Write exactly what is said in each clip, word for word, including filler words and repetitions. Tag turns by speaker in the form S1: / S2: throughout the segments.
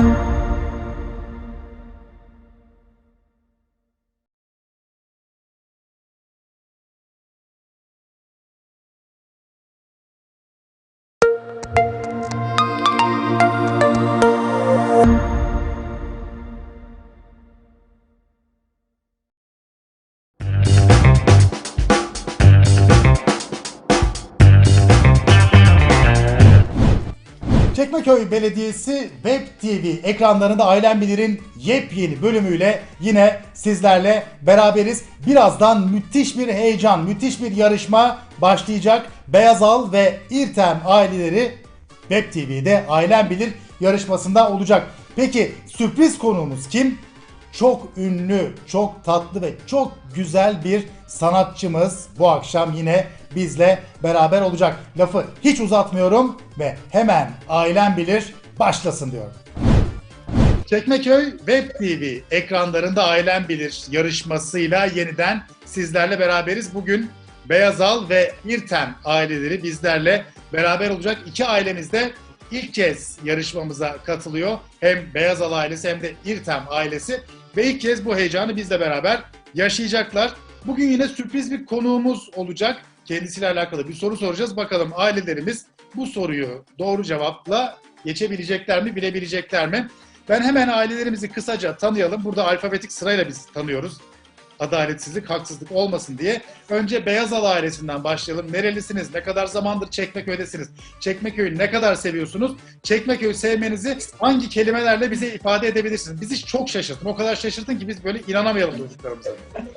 S1: Çekmeköy Belediyesi Web T V ekranlarında Ailem Bilir'in yepyeni bölümüyle yine sizlerle beraberiz. Birazdan müthiş bir heyecan, müthiş bir yarışma başlayacak. Beyazal ve İrtem aileleri Web T V'de Ailem Bilir yarışmasında olacak. Peki sürpriz konuğumuz kim? Çok ünlü, çok tatlı ve çok güzel bir sanatçımız bu akşam yine bizle beraber olacak. Lafı hiç uzatmıyorum ve hemen Ailem Bilir başlasın diyorum. Çekmeköy Web T V ekranlarında Ailem Bilir yarışmasıyla yeniden sizlerle beraberiz. Bugün Beyazal ve İrtem aileleri bizlerle beraber olacak. İki ailemiz de ilk kez yarışmamıza katılıyor. Hem Beyazal ailesi hem de İrtem ailesi. Ve ilk kez bu heyecanı bizle beraber yaşayacaklar. Bugün yine sürpriz bir konuğumuz olacak. Kendisiyle alakalı bir soru soracağız. Bakalım ailelerimiz bu soruyu doğru cevapla geçebilecekler mi, bilebilecekler mi? Ben hemen ailelerimizi kısaca tanıyalım. Burada alfabetik sırayla biz tanıyoruz. Adaletsizlik, haksızlık olmasın diye. Önce Beyazal ailesinden başlayalım. Nerelisiniz? Ne kadar zamandır Çekmeköy'desiniz? Çekmeköy'ü ne kadar seviyorsunuz? Çekmeköy'ü sevmenizi hangi kelimelerle bize ifade edebilirsiniz? Bizi çok şaşırtın. O kadar şaşırtın ki biz böyle inanamayalım çocuklarımıza.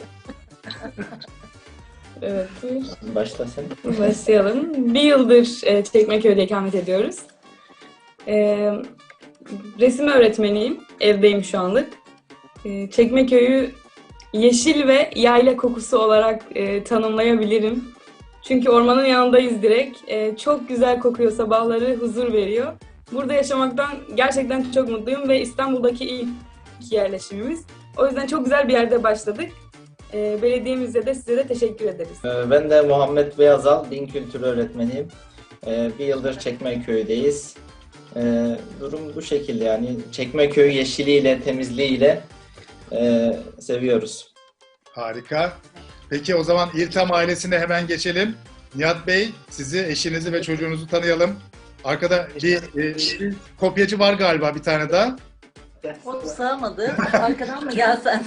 S2: Evet.
S3: Başla sen.
S2: Başlayalım. Bir yıldır e, Çekmeköy'de ikamet ediyoruz. E, resim öğretmeniyim. Evdeyim şu anlık. E, Çekmeköy'ü yeşil ve yayla kokusu olarak e, tanımlayabilirim. Çünkü ormanın yanındayız direkt. E, çok güzel kokuyor, sabahları huzur veriyor. Burada yaşamaktan gerçekten çok mutluyum ve İstanbul'daki ilk yerleşimimiz. O yüzden çok güzel bir yerde başladık. E, belediyemize de size de teşekkür ederiz.
S3: Ben de Muhammed Beyazal, din kültürü öğretmeniyim. Bir yıldır Çekmeköy'deyiz. Durum bu şekilde yani. Çekmeköy yeşiliyle, temizliğiyle e, seviyoruz.
S1: Harika. Peki o zaman İrtem ailesine hemen geçelim. Nihat Bey, sizi, eşinizi ve çocuğunuzu tanıyalım. Arkada bir, e, bir kopyacı var galiba bir tane daha.
S4: O sığamadı. Arkadan mı gelsen?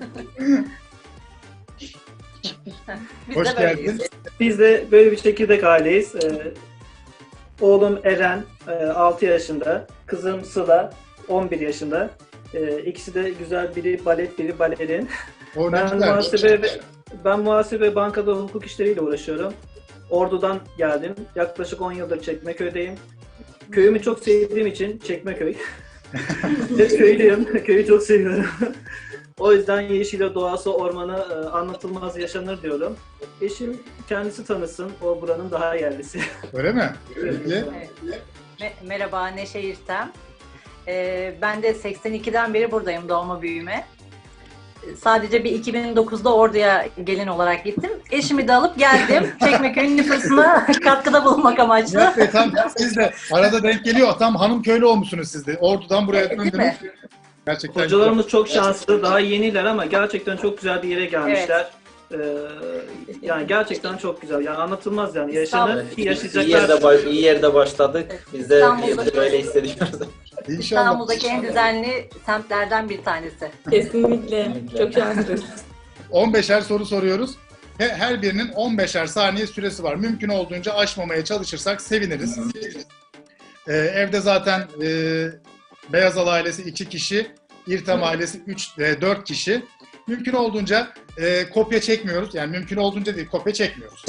S4: Biz
S1: Hoş
S4: de böyleyiz.
S1: geldin.
S5: Biz de böyle bir çekirdek aileyiz. Ee, oğlum Eren e, altı yaşında, kızım Sıla on bir yaşında. Ee, ikisi de güzel, biri balet, biri balerin.
S1: O ne
S5: Ben
S1: güzel.
S5: muhasebe, ve- ben muhasebe, bankada hukuk işleriyle uğraşıyorum. Ordu'dan geldim. Yaklaşık on yıldır Çekmeköy'deyim. Köyümü çok sevdiğim için Çekmeköy. Hep köylüyüm. Köyü çok seviyorum. O yüzden yeşile, doğası, ormanı e, anlatılmaz yaşanır diyorum. Eşim kendisi tanısın, o buranın daha yerlisi.
S1: Öyle mi? Peki.
S4: Evet. Me- Merhaba, Neşe İrtem. Ee, ben de seksen ikiden beri buradayım, doğma büyüme. Sadece bir iki bin dokuzda Ordu'ya gelin olarak gittim. Eşimi de alıp geldim. Çekmeköy'ün nüfusuna katkıda bulunmak amaçlı.
S1: Nihat Bey tam siz de arada denk geliyor. Tam hanım köylü olmuşsunuz siz de. Ordu'dan buraya
S4: Değil
S1: döndünüz.
S4: mi?
S1: Gerçekten.
S5: Hocalarımız çok şanslı, daha yeniler ama gerçekten çok güzel bir yere gelmişler. Ee, yani gerçekten çok güzel. Yani anlatılmaz yani. Yaşanır,
S3: İyi yerde,
S5: yaşayacaklar.
S3: baş- iyi yerde başladık. Biz de,
S4: İstanbul'da-
S3: biz de öyle hissediyoruz.
S1: İnşallah.
S4: İstanbul'daki en düzenli semtlerden bir tanesi.
S2: Kesinlikle. Çok şanslıyız.
S1: on beşer soru soruyoruz. He- Her birinin on beşer saniye süresi var. Mümkün olduğunca aşmamaya çalışırsak seviniriz. Ee, evde zaten e, Beyazal ailesi iki kişi, İrtem ailesi üç, dört kişi. Mümkün olduğunca e, kopya çekmiyoruz. Yani mümkün olduğunca değil, kopya çekmiyoruz.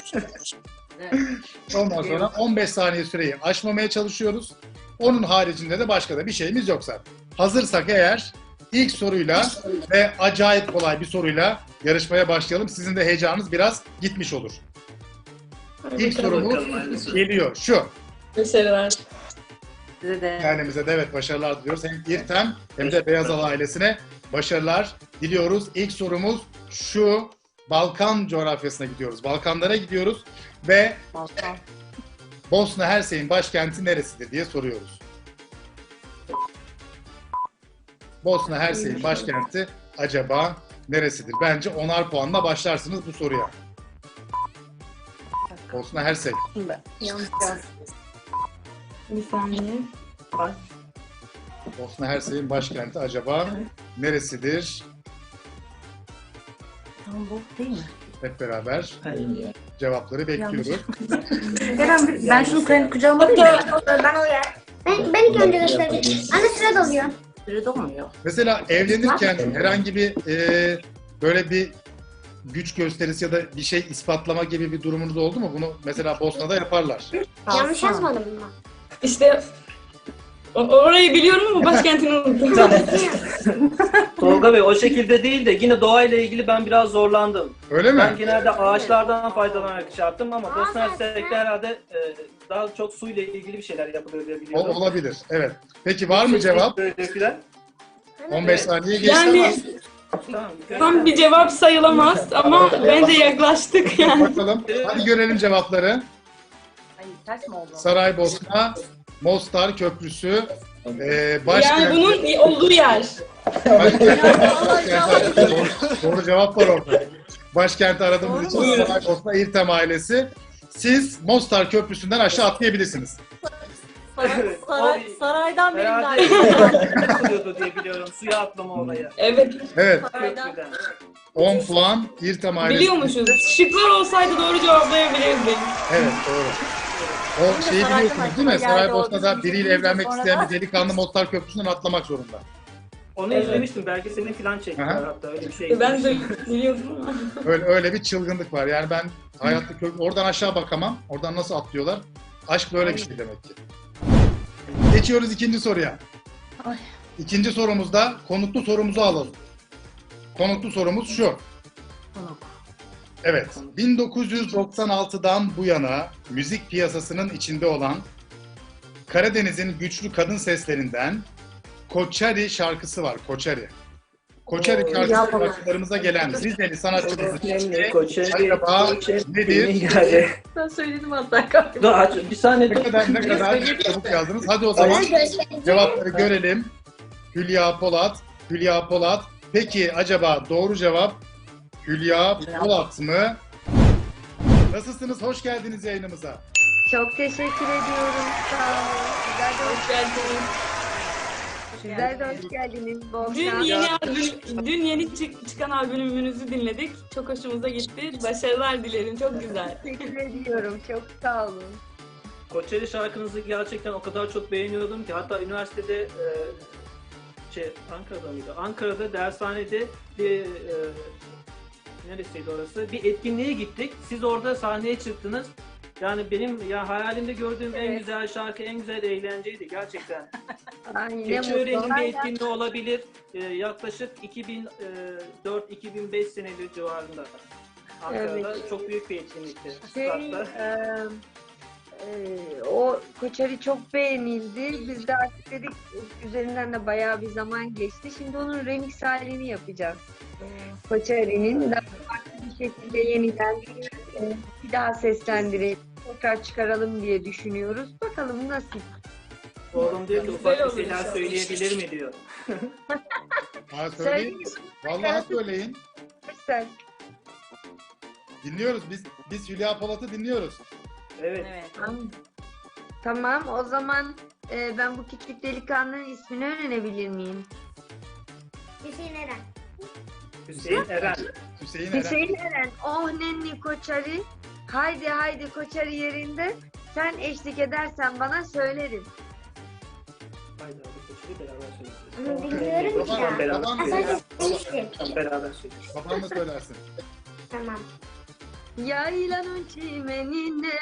S1: Ondan sonra on beş saniye süreyi aşmamaya çalışıyoruz. Onun haricinde de başka da bir şeyimiz yok zaten. Hazırsak eğer ilk soruyla ve acayip kolay bir soruyla yarışmaya başlayalım. Sizin de heyecanınız biraz gitmiş olur. İlk sorumuz geliyor. Şu.
S2: Başarılar.
S4: Size de
S1: Kendimize de evet başarılar diliyoruz. Hem İrtem hem de Beyazal ailesine başarılar diliyoruz. İlk sorumuz şu. Balkan coğrafyasına gidiyoruz. Balkanlara gidiyoruz ve
S4: Balkan.
S1: Bosna Hersek'in başkenti neresidir diye soruyoruz. Bosna Hersey'in başkenti acaba neresidir? Bence onar puanla başlarsınız bu soruya. Bosna Hersey.
S2: Yanlış yazdım. Bir saniye.
S1: Bosna Hersey'in başkenti acaba neresidir?
S4: Tamam, bu değil mi?
S1: Hep beraber
S3: İyi ya.
S1: cevapları bekliyoruz.
S4: Ben, ben şunu kendi kucağıma alayım mı?
S6: Ben oluyor. Ben, ben ilk önce göstereyim. Anne sıra doluyor.
S4: Süre dolmuyor.
S1: Mesela evlenirken herhangi bir e, böyle bir güç gösterisi ya da bir şey ispatlama gibi bir durumunuz oldu mu? Bunu mesela Bosna'da yaparlar.
S6: Yanlış yazmadım mı?
S2: İşte o- orayı biliyorum ama başkentini unuttum.
S5: Tolga Bey o şekilde değil de yine doğayla ilgili ben biraz zorlandım.
S1: Öyle mi?
S5: Ben genelde ağaçlardan faydalanarak şey yaptım ama Bosna Hersek'te herhalde e, daha çok suyla ilgili bir şeyler yapılıyor diye
S1: O,
S5: biliyorum.
S1: olabilir. Evet. Peki var mı cevap?
S5: Böyle filan.
S1: on beş saniye geçti
S2: Yani
S5: Tamam.
S2: tam bir cevap sayılamaz ama bence yaklaştık
S1: ama
S2: yani.
S1: bakalım. Hadi görelim cevapları.
S4: Ay, ters mi oldu?
S1: Saraybosna, Mostar Köprüsü, e, başkent.
S2: Yani bunun olduğu yer.
S1: Başkent- doğru, doğru cevap var orada. Başkenti aradığımız için
S2: Buyurun.
S1: Saraybosna İrtem ailesi. Siz Mostar Köprüsü'nden aşağı atlayabilirsiniz.
S5: Evet,
S4: Saray,
S5: o-
S4: saraydan benim
S5: Herhalde
S4: dairem.
S5: yapılıyordu diye biliyorum. Suya atlama olayı.
S2: Evet,
S1: Evet,
S5: Köprüden.
S1: on puan İrtem ailesi.
S2: biliyormuşuz. Şıklar olsaydı doğru cevaplayabilirdik.
S1: Evet, doğru. O şeyi
S4: Saraydan
S1: biliyorsunuz değil mi?
S4: aklıma geldi,
S1: Saraybosna'da
S4: o
S1: biriyle
S4: bizim
S1: evlenmek
S4: sonra
S1: isteyen
S4: da-
S1: bir delikanlı Mostar Köprüsü'nden atlamak zorunda.
S5: Onu
S2: Evet.
S5: izlemiştim. Belki senin filan çektiler
S1: Aha.
S5: hatta öyle bir şey.
S2: Ben de biliyordum ama.
S1: Öyle, öyle bir çılgınlık var. Yani ben hayatta kö- oradan aşağı bakamam. Oradan nasıl atlıyorlar? Aşk böyle bir şey demek ki. Geçiyoruz ikinci soruya.
S4: Ay.
S1: İkinci sorumuzda konuklu sorumuzu alalım. Konuklu sorumuz şu.
S4: Konuk.
S1: Evet, bin dokuz yüz doksan altıdan bu yana müzik piyasasının içinde olan Karadeniz'in güçlü kadın seslerinden Koçari şarkısı var, Koçari. Koçari
S5: Oo,
S1: şarkısı
S4: yapma.
S1: şarkılarımıza gelen Rizeli sanatçımızın
S5: Önemli
S1: ismi
S5: Koçeri,
S1: acaba
S5: Koçeri,
S1: nedir?
S5: yani.
S4: Ben söyledim hatta galiba.
S5: Dur aç, bir saniye
S1: Ne
S5: dur.
S1: kadar ne kadar çabuk yazdınız. Hadi o zaman cevapları görelim. Hülya Polat, Hülya Polat. Peki acaba doğru cevap Hülya Polat mı? Nasılsınız? Hoş geldiniz yayınımıza.
S7: Çok teşekkür ediyorum. Sağ olun. Sizler de hoş,
S2: Hoş geldiniz.
S7: sizler de hoş geldiniz. Bol
S2: Dün
S7: şans.
S2: yeni albüm, dün yeni çık- çıkan albümünüzü dinledik. Çok hoşumuza gitti. Başarılar dilerim. Çok güzel.
S7: Teşekkür ediyorum. Çok sağ olun.
S5: Koçeri şarkınızı gerçekten o kadar çok beğeniyordum ki hatta üniversitede e, şey Ankara'da mıydı? Ankara'da dershanede bir e, neresiydi orası? Bir etkinliğe gittik. Siz orada sahneye çıktınız. Yani benim ya hayalimde gördüğüm en
S4: Evet.
S5: güzel şarkı, en güzel eğlenceydi gerçekten.
S7: Ay, ne
S5: Keçiören'in
S7: mutlu.
S5: bir etkinliği olabilir. Ee, yaklaşık iki bin dört iki bin beş seneleri civarında. Ankara'da
S7: Evet.
S5: çok büyük bir etkinlikti.
S7: Şey,
S5: Statta.
S7: e, e, o Koçari çok beğenildi. Biz de artık dedik üzerinden de bayağı bir zaman geçti. Şimdi onun remix halini yapacağız. Koçari'nin daha farklı bir şekilde yeniden e, bir daha seslendirelim. Tekrar çıkaralım diye düşünüyoruz. Bakalım nasıl.
S5: Oğlum diyor ki
S2: Güzel
S5: ufak
S2: olur
S5: bir şeyler
S2: inşallah.
S5: söyleyebilir mi diyor.
S1: Ha, söyleyin.
S7: Söyleyeyim.
S1: Vallahi söyleyin.
S7: Sen.
S1: Dinliyoruz. Biz biz Hülya Polat'ı dinliyoruz.
S5: Evet.
S4: Evet.
S7: Tamam. Tamam, o zaman e, ben bu küçük delikanlının ismini öğrenebilir miyim?
S6: Hüseyin Eren.
S5: Hüseyin Eren.
S1: Hüseyin Eren.
S7: Hüseyin Eren, oh nenni Koçari. Haydi haydi Koçari yerinde. Sen eşlik edersen bana söylerim.
S5: Haydi abi Koçeri beraber söyleyeceğiz.
S6: Bilmiyorum ki
S5: Tamam,
S6: ya.
S5: beraber.
S1: Babam
S6: Ha,
S1: da
S6: sadece
S1: söylersin.
S6: söylemiştim.
S5: Tamam, beraber söyleyeceğiz.
S1: Baban da söylersin.
S6: Tamam.
S7: Yaylanın çimenine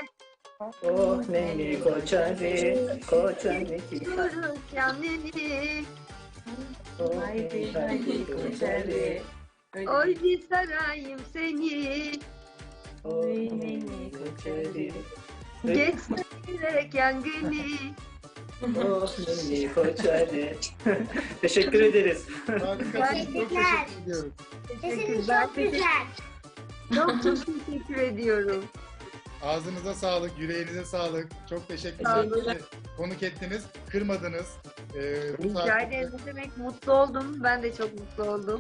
S5: Oh neni Koçeri, Koçeri.
S7: yürür kendini.
S4: Haydi haydi Koçeri.
S7: Oy bir sarayım seni.
S5: Oh neni Koçeri.
S7: Geçmeyerek yangını.
S5: Oh neni Koçeri. Teşekkür ederiz.
S1: Harikasınız. Çok
S6: Teşekkürler.
S1: teşekkür ediyorum.
S6: Sesiniz
S7: Teşekkürler.
S6: çok güzel.
S7: Çok çok teşekkür ediyorum.
S1: Ağzınıza sağlık, yüreğinize sağlık. Çok teşekkür
S2: Sağ
S1: ederim.
S2: olun.
S1: Bizi konuk ettiniz, kırmadınız. Ee, bu
S7: Rica
S1: saatte-
S7: ederim. Ne demek, mutlu oldum. Ben de çok mutlu oldum.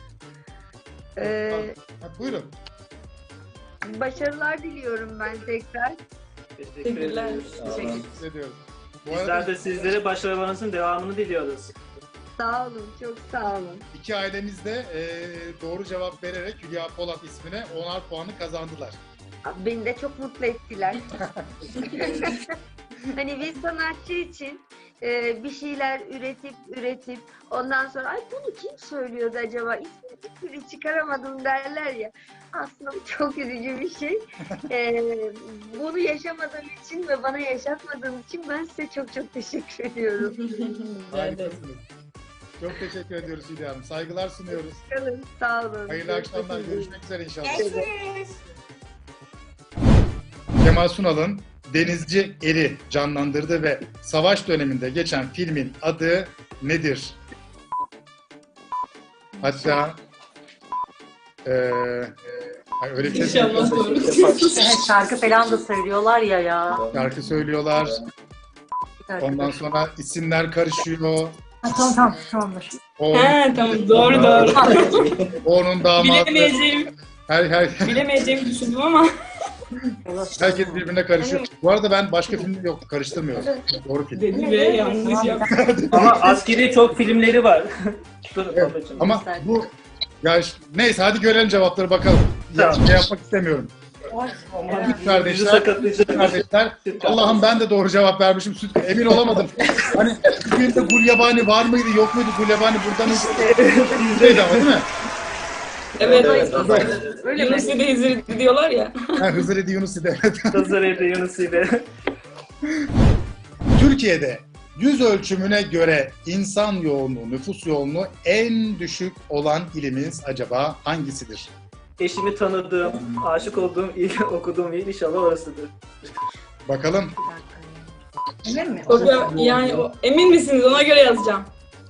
S7: Ee,
S1: Ha, buyurun.
S7: başarılar diliyorum ben tekrar.
S5: Teşekkür
S2: Teşekkürler.
S5: ederiz.
S3: Sağ olun.
S1: Teşekkür ediyoruz. Bu
S5: Bizler
S1: arada
S5: de sizlere başarılarınızın devamını diliyoruz.
S7: Sağ olun, çok sağ olun.
S1: iki ailemiz de e, doğru cevap vererek Hülya Polat ismine onar puanı kazandılar.
S7: Beni de çok mutlu ettiler. Hani bir sanatçı için e, bir şeyler üretip üretip ondan sonra ay bunu kim söylüyordu acaba, ismini bir türlü çıkaramadım derler ya. Aslında bu çok üzücü bir şey. E, bunu yaşamadığım için ve bana yaşatmadığım için ben size çok çok teşekkür ediyorum.
S1: Harikasınız. Çok teşekkür ediyoruz Hülya Hanım. Saygılar sunuyoruz.
S7: Kalın, sağ olun.
S1: Hayırlı akşamlar.
S7: Görüşmek üzere.
S1: Görüşmek üzere inşallah.
S6: Görüşürüz.
S1: Kemal Sunal'ın Denizci Eri canlandırdığı ve savaş döneminde geçen filmin adı nedir? Hatta eee ay öyle bir şey
S2: İnşallah doğru.
S4: Şarkı falan da söylüyorlar ya ya.
S1: şarkı söylüyorlar. Ondan sonra isimler karışıyor.
S4: Ha, tamam tamam tamamdır.
S1: O,
S2: He tamam doğru doğru.
S1: onun damadı.
S2: Bilemeyeceğim,
S1: Her, her,
S2: bilemeyeceğimi düşündüm ama.
S1: herkes birbirine karışıyor. Bu arada ben başka film yok karıştırmıyorum. Doğru film.
S2: Dedi ve yanlış yaptı.
S5: Ama askeri çok filmleri var. Dur
S1: Evet,
S5: babacığım.
S1: ama bu ya ş- neyse hadi görelim cevapları bakalım. Ya,
S5: Tamam.
S1: şey yapmak istemiyorum.
S5: Aman,
S1: Süt kardeşler,
S5: bizi sakatlayacak.
S1: kardeşler.
S5: Süt
S1: Allah'ım ben de doğru cevap vermişim. Süt emin olamadım. Hani bir filmde Gulyabani var mıydı yok muydu? Gulyabani burada mıydı? Bizdeydi ama değil mi?
S2: Evet.
S3: Evet, evet.
S7: Öyle mi?
S2: Yunus de Hızır diyorlar ya.
S1: Ha, Hızır Edi Yunus idi. Evet.
S5: Hızır Evde Yunus ile.
S1: Türkiye'de yüz ölçümüne göre insan yoğunluğu, nüfus yoğunluğu en düşük olan ilimiz acaba hangisidir?
S5: Eşimi tanıdığım, aşık olduğum il, okuduğum il inşallah orasıdır.
S1: Bakalım.
S4: Emin mi?
S2: O da- yani o, emin misiniz? Ona göre yazacağım.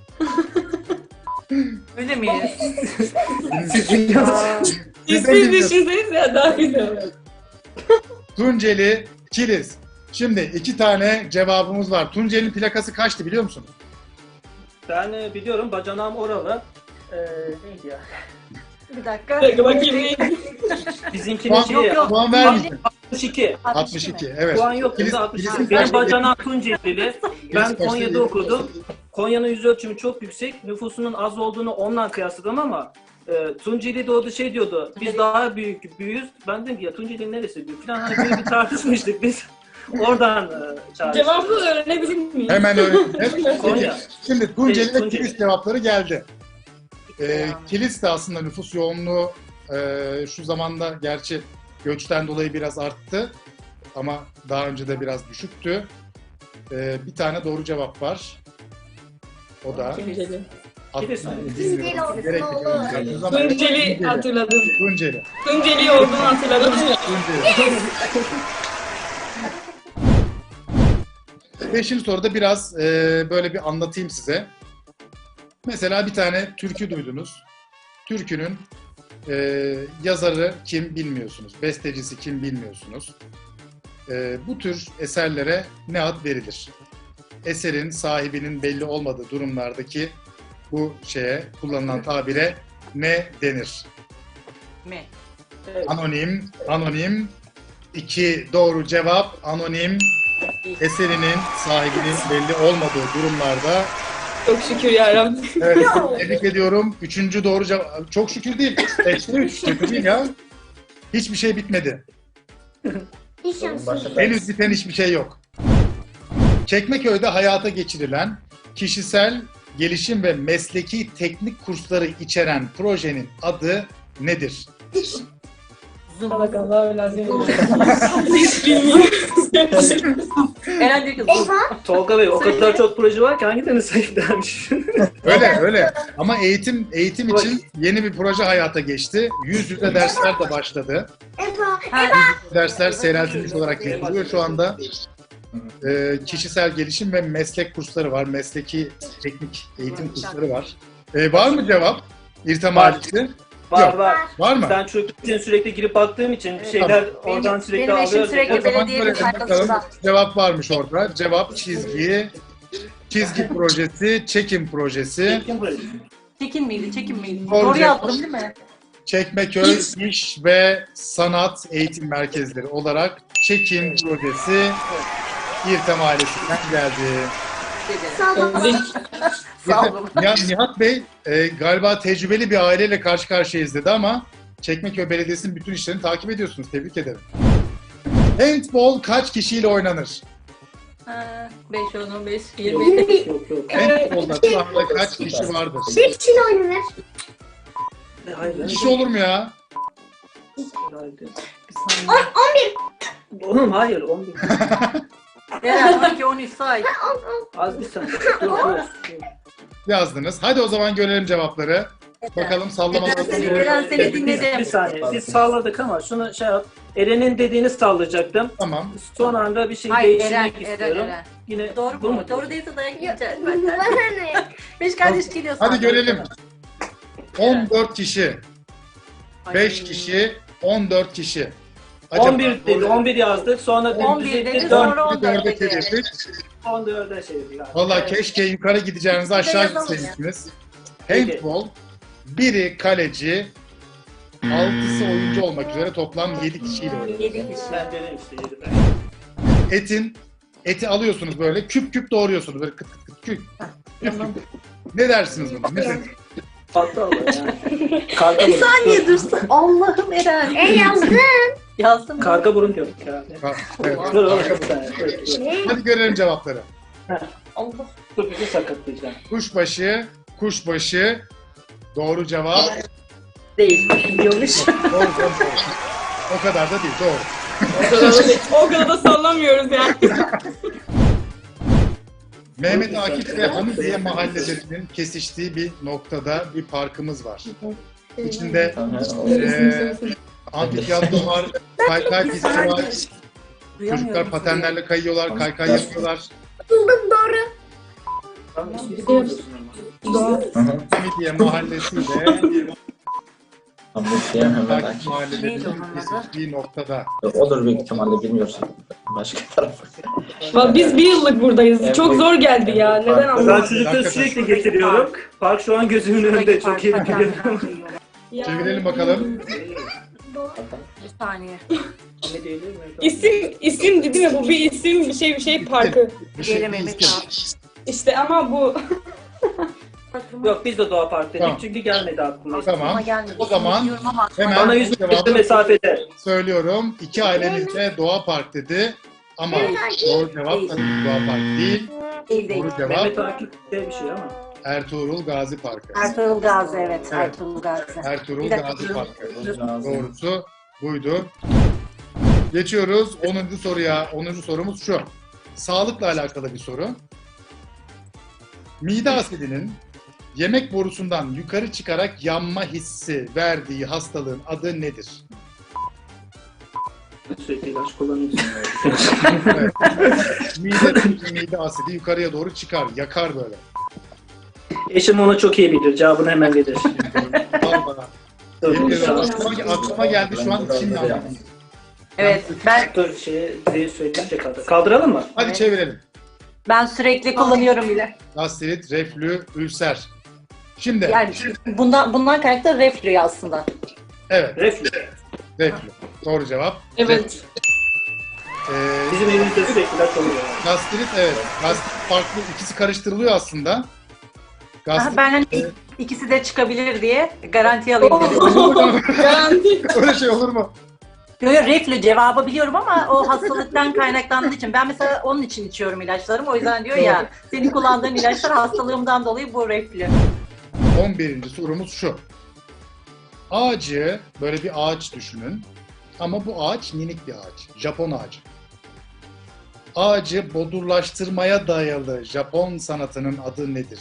S4: Öyle miyiz?
S5: Siz
S1: Siz de
S2: Siz
S1: bilmiyorsunuz.
S2: düşünseniz ya daha güzel.
S1: Tunceli, Kilis. Şimdi iki tane cevabımız var. Tunceli'nin plakası kaçtı biliyor musunuz?
S5: Ben e, biliyorum bacanağım oralı. Ee, neydi ya?
S4: Bir dakika.
S2: Bir dakika bakayım neydi?
S5: Bizimkinin
S1: Puan,
S5: şeyi
S4: yok.
S1: puan vermeyeceğim.
S5: altmış iki.
S1: altmış iki, evet.
S5: Puan yok.
S1: Kilis-
S5: Kilis, altmış iki.
S1: Kilis'in
S5: Benim
S1: kaçtı?
S5: bacanağım Tuncelili. Ben
S1: kaçtı?
S5: Konya'da okudum. Konya'nın yüz ölçümü çok yüksek. Nüfusunun az olduğunu ondan kıyasladım ama e, Tunceli'de o da şey diyordu. Biz daha büyük büyüyüz. Ben dedim ki ya Tunceli'nin neresi büyük falan. Hani böyle bir tartışmıştık biz. Oradan e, çağrıştık.
S2: Cevabı öğrenebilir miyim?
S1: Hemen öğreneceğiz.
S5: Konya.
S1: Şimdi Tunceli ve
S5: Tunceli.
S1: Kilis cevapları geldi. Ee, Kilis de aslında nüfus yoğunluğu e, şu zamanda gerçi göçten dolayı biraz arttı. Ama daha önce de biraz düşüktü. Ee, bir tane doğru cevap var. O da
S2: Tunceli.
S5: Kilis mi?
S6: Tunceli olsun,
S1: Gerekli
S6: olur.
S1: Tunceli. Ama
S2: Tunceli hatırladım.
S1: Tunceli.
S2: Tunceli olduğunu hatırladım.
S1: Tunceli. Beşinci soruda biraz e, böyle bir anlatayım size. Mesela bir tane türkü duydunuz. Türkünün e, yazarı kim bilmiyorsunuz. Bestecisi kim bilmiyorsunuz. E, bu tür eserlere ne ad verilir? Eserin sahibinin belli olmadığı durumlardaki bu şeye kullanılan tabire ne denir?
S4: Mi?
S1: Anonim, anonim. İki doğru cevap. Anonim eserinin sahibinin belli olmadığı durumlarda.
S2: Çok şükür yarabbim.
S1: Evet, tebrik ediyorum. Üçüncü doğru cevap. Çok şükür değil. Beşte üç. Kötü değil ya. Hiçbir şey bitmedi.
S6: Hiç şansım
S3: Başka
S6: yok.
S1: Henüz biten hiçbir şey yok. Çekmeköy'de hayata geçirilen kişisel gelişim ve mesleki teknik kursları içeren projenin adı nedir?
S2: Salak Allah'a lazım. Hiç bilmiyorum.
S4: Eren diyor ki
S6: Efa,
S5: Tolga Bey o kadar çok proje var ki hangilerini sayıp dermiş.
S1: Öyle öyle. Ama eğitim eğitim için yeni bir proje hayata geçti. Yüz yüze dersler de başladı.
S6: Efa,
S1: Dersler seyreltilmiş olarak yapılıyor şu anda. Ee, kişisel gelişim ve meslek kursları var. Mesleki teknik eğitim kursları var. Ee, var mı cevap? İrtem
S5: Var.
S1: Halisi.
S5: Var
S1: Yok.
S5: var.
S1: Var mı?
S5: Ben çocuk için sürekli girip baktığım için bir şeyler oradan
S4: Benim-
S5: sürekli
S4: benim eşim
S5: alıyorum.
S4: sürekli
S1: O zaman
S4: belediyenin
S1: görelim
S4: sayfasında.
S1: bakalım. Cevap varmış orada. Cevap çizgi, çizgi projesi, çekim projesi,
S4: Çekin miydi, çekin miydi?
S1: Doğru
S4: Doğru
S1: cevap.
S4: yazdım değil mi?
S1: Çekmeköy İş ve Sanat Eğitim Merkezleri olarak çekim projesi İrtem ailesinden geldi.
S6: Sağ olun.
S4: Sağ olun.
S1: Nihat, Nihat Bey e, galiba tecrübeli bir aileyle karşı karşıyayız dedi ama Çekmeköy Belediyesi'nin bütün işlerini takip ediyorsunuz. Tebrik ederim. Handball kaç kişiyle oynanır?
S4: beş, on, on beş, yirmi.
S6: Yirmi.
S5: Yok yok.
S1: Handball'da şu anda kaç kişi vardır?
S6: Bir kişiyle oynanır.
S5: Hayır.
S1: Kişi olur mu ya?
S5: hayır.
S4: Bir saniye.
S5: Oğlum hayır. on bir.
S4: Eren on iki, on üç say.
S5: Az bir saniye. Dur dur.
S1: Yazdınız. Hadi o zaman görelim cevapları. Bakalım sallamalar.
S4: Eren seni
S5: Bir,
S4: dinledim.
S5: bir saniye. Biz salladık ama şunu şey yap. Eren'in dediğini sallayacaktım.
S1: Tamam.
S5: Son anda bir şey
S4: Hayır Eren,
S5: değiştirmek
S4: Eren,
S5: istiyorum.
S4: Eren.
S5: Yine
S4: Doğru
S5: bu
S4: mu? Doğru değilse dayak yiyeceğiz benden.
S6: Bana ne?
S4: Beş kardeş geliyor sana.
S1: Hadi görelim. on dört kişi, beş kişi, on dört kişi.
S5: on bir dedi. on bir yazdık. Sonra
S4: on bir
S5: düzelttik,
S4: dedi,
S5: dört-
S4: sonra on dört
S1: dörde
S4: dedi.
S1: çevirdik.
S5: on dörde çevirdik.
S1: Valla keşke yukarı gideceğinizi aşağı
S4: yazalım ya.
S1: gitseydiniz.
S5: Peki.
S1: Handball, biri kaleci, altısı oyuncu olmak üzere toplam yedi kişiyle oynuyor.
S4: Yedi kişi.
S5: Ben dedim işte yedi.
S1: Etin, eti alıyorsunuz böyle küp küp doğruyorsunuz böyle kıt kıt kıt küp. küp, küp. Ne dersiniz buna? Ne dersiniz?
S5: Patlı olur yani. Karga
S4: Bir
S5: burun.
S4: saniye dursun. Allah'ım Eren.
S6: E yazdın.
S4: Yazdım mı?
S5: Karga burun diyorum. Ya.
S1: Ha, evet.
S5: Dur oğlum bir saniye. Dur, dur.
S6: Ne?
S1: Hadi görelim cevapları.
S4: Allah.
S5: Dur bizi sakatlayacağım.
S1: Kuşbaşı, kuşbaşı. Doğru cevap.
S4: Değil. Biliyormuş.
S1: Doğru, doğru, doğru. O kadar da değil, doğru.
S2: O kadar da sallamıyoruz yani.
S1: Mehmet Akif ve Hamidiye mahallelerinin kesiştiği bir noktada bir parkımız var. İçinde eee amfiteyatro var, kaykay pisti var. Çocuklar patenlerle kayıyorlar, kaykay yapıyorlar.
S6: Buldum doğru.
S5: Tamam, ismini biliyorsun ama.
S1: Hamidiye mahallesiyle
S3: Hamburg'ya hemen
S1: Akif
S3: aç.
S4: Neydi
S1: mahallelerinin
S4: onun adı?
S1: kesiştiği noktada.
S3: Odur büyük ihtimalle bilmiyorsun. Başka tarafı.
S2: Bak biz bir yıllık buradayız. Çok zor geldi ya. Neden
S5: Ben
S2: anlamadım?
S5: çocukları sürekli getiriyorum. Park şu an gözümün önünde çok iyi biliyorum.
S1: Çevirelim bakalım.
S4: Bir saniye.
S5: Ne değil mi?
S2: İsim, isim değil mi? Bu bir isim, bir şey bir şey parkı.
S1: Bir şey
S4: Diyelim
S1: bir
S4: Mehmet
S1: isim.
S4: abi.
S2: İşte ama bu...
S5: Yok biz de Doğa Park dedik
S1: Tamam.
S5: çünkü gelmedi aklıma.
S1: Tamam.
S4: Ama gelmedi.
S1: O zaman
S4: Biliyorum ama
S1: hemen
S5: Bana yüz metre
S1: cevabı
S5: mesafede.
S1: söylüyorum. İki ailemiz de Doğa Park dedi. Ama doğru cevap tabii ki Doğa Park değil.
S4: değil değil.
S1: Doğru cevap
S5: Mehmet Akif de bir şey ama.
S1: Ertuğrul Gazi Parkı.
S4: Ertuğrul Gazi evet.
S1: Evet.
S4: Ertuğrul Gazi.
S1: Ertuğrul
S4: Bir dakika,
S1: Gazi
S4: dur.
S1: Parkı.
S4: Dur.
S1: Doğrusu buydu. Geçiyoruz onuncu soruya. onuncu sorumuz şu. Sağlıkla alakalı bir soru. Mide asidinin yemek borusundan yukarı çıkarak yanma hissi verdiği hastalığın adı nedir?
S5: Sürekli ilaç kullanıyorsun.
S1: Evet. Mide, mide asidi yukarıya doğru çıkar, yakar böyle.
S5: Eşim onu çok iyi bilir. Cevabını hemen verir.
S1: Al bana.
S5: Dur,
S1: Yemin
S5: dur,
S1: ederim,
S5: dur.
S1: aklıma, aklıma geldi şu an içimde anladım.
S4: Evet ben
S5: Dur şeye diye söyleyince kaldır. Kaldıralım mı?
S1: Hadi
S4: Evet.
S1: çevirelim.
S4: ben sürekli kullanıyorum bile.
S1: Gastrit, reflü, ülser. Şimdi,
S4: Yani bundan bundan kaynaklı reflü aslında.
S1: evet,
S5: Reflü.
S1: reflü. Doğru cevap.
S2: Evet.
S1: Ee,
S5: Bizim evimizde sürekli ilaç oluyor.
S1: gastrit, evet. Gastrit farklı, ikisi karıştırılıyor aslında.
S4: Aha,
S1: Gastrit,
S4: ben hani ik- ikisi de çıkabilir diye garanti alayım dedim.
S2: Garanti.
S1: öyle şey olur mu?
S4: Yo, yo, reflü cevabı biliyorum ama o hastalıktan kaynaklandığı için. Ben mesela onun için içiyorum ilaçlarımı. O yüzden diyor ya senin kullandığın ilaçlar hastalığımdan dolayı bu reflü.
S1: on birinci sorumuz şu. Ağacı, böyle bir ağaç düşünün. Ama bu ağaç minik bir ağaç. Japon ağacı. Ağacı bodurlaştırmaya dayalı Japon sanatının adı nedir?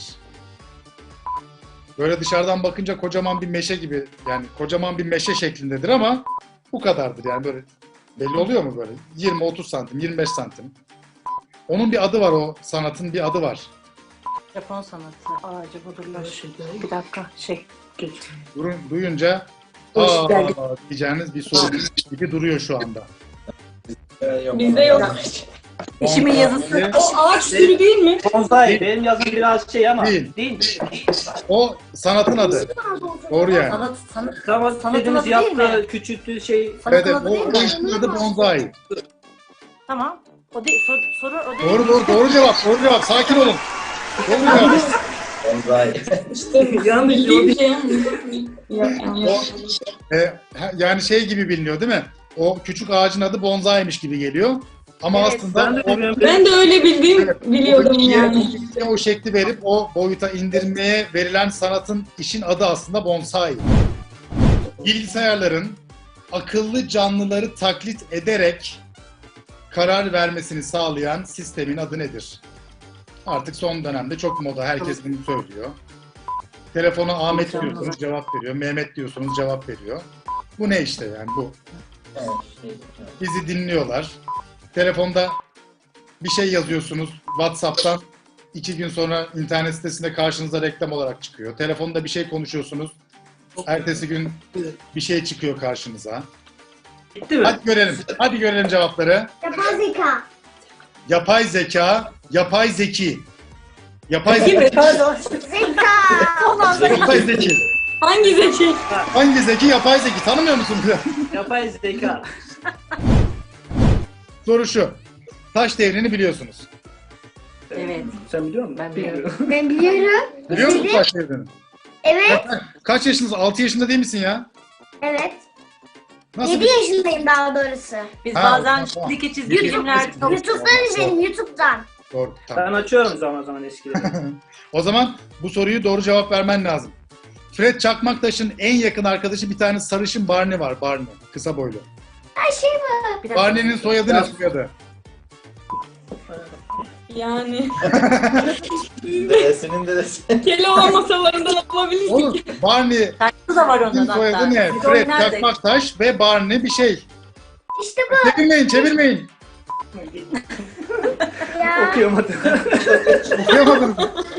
S1: Böyle dışarıdan bakınca kocaman bir meşe gibi, yani kocaman bir meşe şeklindedir ama bu kadardır yani böyle. Belli oluyor mu böyle? yirmi otuz santim, yirmi beş santim. Onun bir adı var, o sanatın bir adı var.
S4: Japon sanatı ağacı budurlar. Bir dakika şey.
S1: Durun, duyunca Aa, diyeceğiniz bir soru gibi duruyor şu anda.
S3: Ee, yok.
S2: Bizde yok.
S4: İşimin yazısı.
S2: O ağaç türü değil mi?
S5: Bonsai. Benim yazım biraz şey ama.
S1: Değil.
S5: Değil.
S1: O sanatın adı. Doğru yani.
S4: Sanat, sanat,
S5: Tamam
S4: Sanatın
S5: dediğiniz
S4: adı değil mi?
S5: yaptığı, küçülttüğü şey.
S1: Evet,
S4: sanatın
S1: evet,
S4: adı
S1: o,
S4: değil
S1: o
S4: mi?
S1: işin adı bonsai.
S4: Tamam. O değil, soru, soru o değil.
S1: Doğru doğru doğru cevap. Doğru cevap. Sakin olun. Doğru cevap.
S3: Bonsai.
S2: İşte
S5: Yanlış
S2: bildiğim
S5: oldu.
S2: şey. Yok yanlış.
S1: O, e, ha- yani şey gibi biliniyor değil mi? O küçük ağacın adı bonsai'miş gibi geliyor. Ama
S4: Evet,
S1: aslında
S5: Ben de
S1: o,
S5: bilmiyorum.
S2: Ben de öyle bildiğim
S1: Evet,
S2: biliyordum
S1: o bitkiye-
S2: yani.
S1: o bitkiye o şekli verip o boyuta indirmeye verilen sanatın işin adı aslında bonsai. Bilgisayarların akıllı canlıları taklit ederek karar vermesini sağlayan sistemin adı nedir? Artık son dönemde çok moda. Herkes bunu söylüyor. Telefona Ahmet
S4: Canlılar.
S1: diyorsunuz cevap veriyor. Mehmet diyorsunuz cevap veriyor. Bu ne işte yani bu.
S3: Evet, şey, evet.
S1: Bizi dinliyorlar. Telefonda bir şey yazıyorsunuz WhatsApp'tan. iki gün sonra internet sitesinde karşınıza reklam olarak çıkıyor. Telefonda bir şey konuşuyorsunuz. Ertesi gün bir şey çıkıyor karşınıza.
S5: Bitti mi?
S1: Hadi görelim. Hadi görelim cevapları.
S6: Yapay zeka.
S1: Yapay zeka, yapay zeki. Yapay
S4: Değil mi?
S1: zeki.
S4: Pardon.
S6: Zeka.
S4: Son anda
S1: Yapay zeki.
S2: Hangi zeki?
S1: Hangi zeki? Yapay zeki. Tanımıyor musun?
S5: Yapay zeka.
S1: Soru şu. Taş devrini biliyorsunuz.
S4: Evet.
S5: Sen biliyor musun?
S4: Ben biliyorum.
S6: Ben biliyorum.
S1: Biliyor musun
S6: Dedim.
S1: taş devrini?
S6: Evet.
S1: Kaç yaşındasın? altı yaşında değil misin ya?
S6: Evet.
S1: Nasıl
S6: yedi
S1: bir...
S6: yaşındayım daha doğrusu.
S4: Biz
S1: Ha,
S4: bazen
S1: tamam.
S4: çizgi çizgi
S1: YouTube-
S4: filmler çok
S6: YouTube'dan izledim YouTube'dan.
S1: Doğru. Tamam.
S5: Ben açıyorum zaman zaman eskileri.
S1: O zaman bu soruyu doğru cevap vermen lazım. Fred Çakmaktaş'ın en yakın arkadaşı bir tane sarışın Barney var. Barney. Kısa boylu.
S6: Her şey var.
S4: Bir dakika.
S1: Barney'nin soyadı ne soyadı?
S2: Yani
S3: Dedesinin dedesi.
S2: Keloğlan masalarından alabilirsin.
S1: Oğlum Barney'in
S4: Şarkısı da var onun hatta.
S1: soyadı ne?
S4: Biz
S1: Fred
S4: oynardık.
S1: Çakmaktaş ve Barney bir şey.
S6: İşte bu
S1: Çevirmeyin, çevirmeyin.
S6: ya.
S5: Okuyamadım.
S1: Okuyamadım.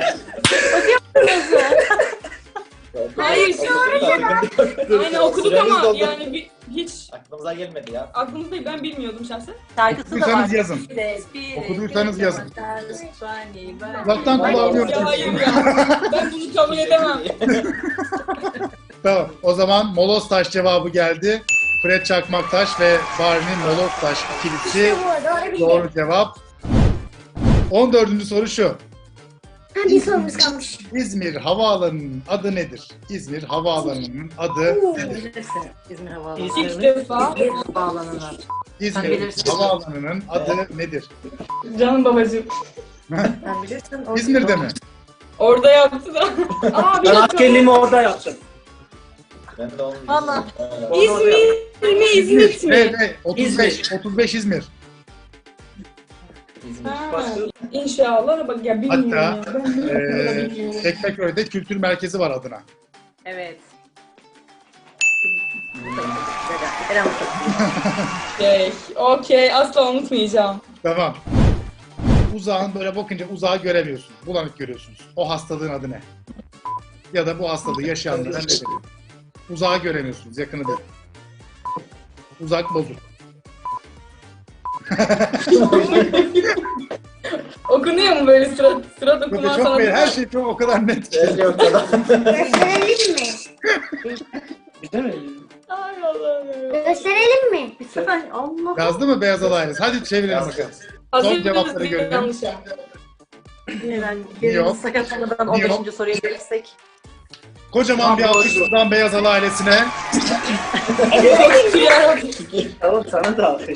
S2: Hayır, Aynen okuduk ama yani bir, hiç
S3: Aklımıza gelmedi ya.
S2: aklımızda değil, ben bilmiyordum şahsen.
S4: Şarkısı da var.
S1: Okuduysanız yazın. Okuduysanız yazın. Uzaktan
S2: Ay,
S1: kulağım
S2: ya, hayır ya. Ben bunu kabul edemem.
S1: Tamam. O zaman Molostaş cevabı geldi. Fred Çakmaktaş ve Barney Molostaş ikilisi
S6: İşte bu doğru bildim.
S1: doğru cevap. on dördüncü soru şu.
S6: Ha, bir sorumuz kalmış.
S1: İzmir Havaalanı'nın adı nedir? İzmir Havaalanı'nın adı nedir?
S4: Bilirsin. İzmir Havaalanı.
S5: İzmir
S2: İlk
S5: mi?
S2: defa
S4: İzmir Havaalanı'nın.
S1: İzmir
S4: bilirsin.
S1: Havaalanı'nın adı nedir?
S2: canım babacığım.
S4: Sen bilirsin. o-
S1: İzmir'de mi?
S2: Orada yaptı da. Aa bir
S5: Ben
S2: dakika.
S5: askerliğimi orada yaptım.
S3: Ben de onu
S4: Valla.
S3: Evet.
S2: İzmir mi İzmit mi?
S1: Evet, evet. otuz beş, otuz beş İzmir.
S3: İzmir.
S2: Ha, İnşallah bak ya bilmiyorum
S1: Hatta,
S2: ya. Ben bunu da
S1: Ee,
S2: bilmiyorum.
S1: Tekmeköy'de kültür merkezi var adına.
S4: Evet. Eren
S2: Okey, okey asla unutmayacağım.
S1: Tamam. Uzağın böyle bakınca uzağı göremiyorsun. Bulanık görüyorsunuz. O hastalığın adı ne? Ya da bu hastalığı yaşayanlara ne denir? Uzağı göremiyorsunuz, yakını değil. Uzak bozuk.
S2: Okunuyor mu böyle sıra sıra
S1: Yok,
S2: dokuma
S1: çok belli. Her
S2: sanatı?
S1: şey çok o kadar net ki.
S3: Belli o kadar.
S6: Gösterelim mi?
S5: Değil mi?
S2: Ay Allah'ım ya.
S6: Gösterelim mi?
S4: bir sefer Allah.
S1: Yazdı mı Beyaz Alayınız? Hadi çevirelim bakalım.
S2: Hazır
S1: cevapları
S2: mısınız?
S1: görelim.
S2: Yanlış ya.
S4: Eren
S1: Yok.
S4: yerimiz sakatlanmadan on
S1: Yok.
S4: beşinci soruya gelirsek.
S1: Kocaman bir alkış buradan Beyaz Ala ailesine.
S2: Yarabbim.
S5: Tamam sana da alkış.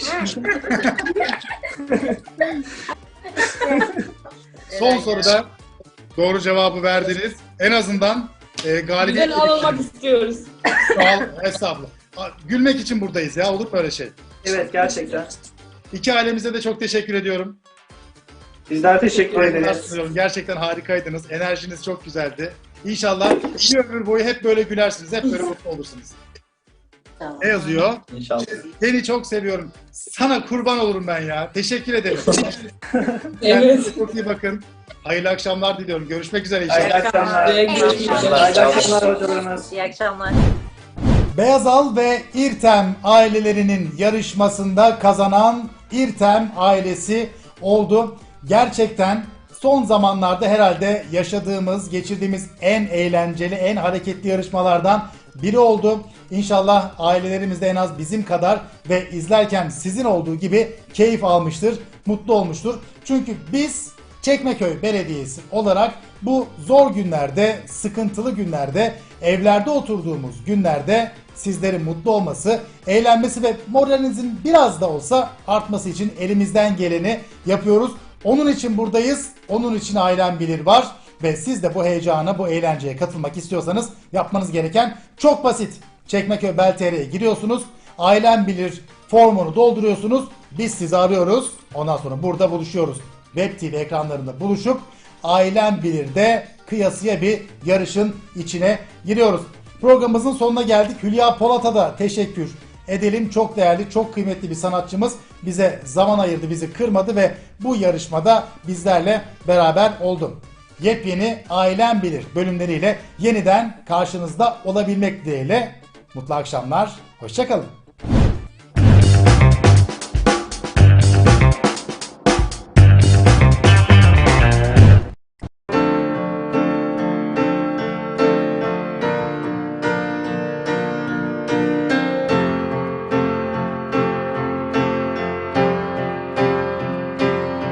S1: Son soruda doğru cevabı verdiniz. En azından e, galibiyet...
S2: Güzel alınmak istiyoruz.
S1: Sağ ol, estağfurullah. Aa, Gülmek için buradayız ya, olur mu öyle şey?
S5: Evet gerçekten.
S1: İki ailemize de çok teşekkür ediyorum.
S5: Bizler teşekkür
S1: Saygılar
S5: ederiz.
S1: sunuyorum. Gerçekten harikaydınız. Enerjiniz çok güzeldi. İnşallah bir ömür boyu hep böyle gülersiniz. Hep böyle mutlu olursunuz.
S4: Tamam.
S1: Ne yazıyor?
S3: İnşallah.
S1: Seni çok seviyorum. Sana kurban olurum ben ya. Teşekkür ederim.
S2: Evet.
S1: Kendinize çok iyi bakın. Hayırlı akşamlar diliyorum. Görüşmek üzere inşallah.
S5: Hayırlı akşamlar.
S2: Güle güle.
S5: Hayırlı akşamlar hocalarımız.
S4: İyi akşamlar.
S1: Beyazal ve İrtem ailelerinin yarışmasında kazanan İrtem ailesi oldu. Gerçekten son zamanlarda herhalde yaşadığımız, geçirdiğimiz en eğlenceli, en hareketli yarışmalardan biri oldu. İnşallah ailelerimiz de en az bizim kadar ve izlerken sizin olduğu gibi keyif almıştır, mutlu olmuştur. Çünkü biz Çekmeköy Belediyesi olarak bu zor günlerde, sıkıntılı günlerde, evlerde oturduğumuz günlerde sizlerin mutlu olması, eğlenmesi ve moralinizin biraz da olsa artması için elimizden geleni yapıyoruz. Onun için buradayız. Onun için Ailem Bilir var. Ve siz de bu heyecana, bu eğlenceye katılmak istiyorsanız yapmanız gereken çok basit. Çekmeköy Bel T R'ye giriyorsunuz. Ailem Bilir formunu dolduruyorsunuz. Biz sizi arıyoruz. Ondan sonra burada buluşuyoruz. Web T V ekranlarında buluşup Ailem Bilir'de kıyasıya bir yarışın içine giriyoruz. Programımızın sonuna geldik. Hülya Polat'a da teşekkür edelim. Çok değerli, çok kıymetli bir sanatçımız. Bize zaman ayırdı, bizi kırmadı ve bu yarışmada bizlerle beraber oldu. Yepyeni Ailem Bilir bölümleriyle yeniden karşınızda olabilmek dileğiyle. Mutlu akşamlar, hoşça kalın.